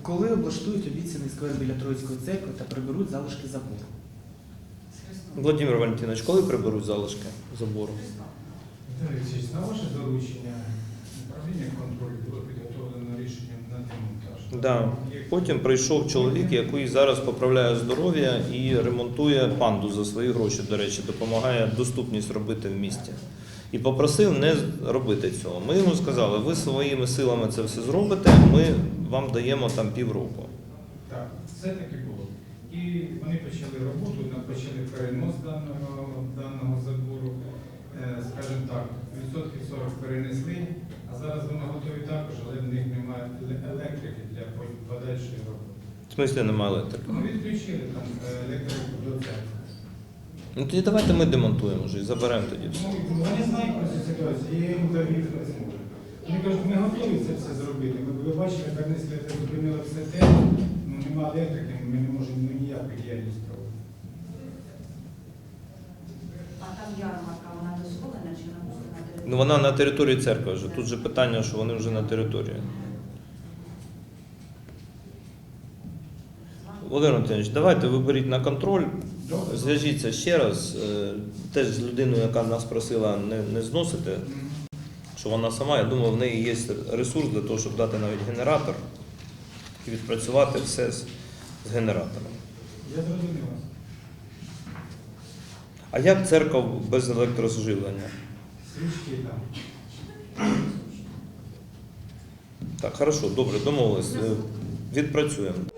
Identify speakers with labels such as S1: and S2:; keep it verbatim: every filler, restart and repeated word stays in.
S1: Коли облаштують обіцяний сквер біля Троїцької церкви та приберуть залишки забору?
S2: Володимир Валентинович, коли приберуть залишки забору?
S3: Віталій Олексійович, на ваше доручення управління контролю було підготовлено рішення на демонтаж.
S2: Да. Потім прийшов чоловік, який зараз поправляє здоров'я і ремонтує панду за свої гроші, до речі, допомагає доступність робити в місті. І попросив не робити цього. Ми йому сказали, ви своїми силами це все зробите, ми вам даємо там півроку.
S3: Так, все таки було. І вони почали роботу, почали перенос даного, даного забору. Е, скажімо так, відсотків сорок перенесли, а зараз вони готові також, але в них немає електрики для подальшої роботи.
S2: В смислі немає електрики?
S3: Ну, відключили там електрику до церкви.
S2: Ну тоді давайте ми демонтуємо вже і заберемо тоді все.
S3: Ну, вони знають про цю ситуацію, я їм дав відповідь. Вони кажуть, ми готові це все зробити. Ми, ви бачите, перенесли, зупинили все те, ну немає електрики, ми не можемо ну, ніяку діяльність проводити.
S4: А там ярмарка, вона дозволена чи вона просто на території?
S2: Ну вона на території церкви вже. Тут же питання, що вони вже на території. Володимир Валентинович, давайте виберіть на контроль, зв'яжіться ще раз, е, теж з людиною, яка нас просила не, не зносити, що вона сама, я думаю, в неї є ресурс для того, щоб дати навіть генератор і відпрацювати все з, з генератором.
S3: Я зрозумів вас.
S2: А як церква без електрозживлення?
S3: Свічки там.
S2: Так, хорошо, добре, домовились, е, відпрацюємо.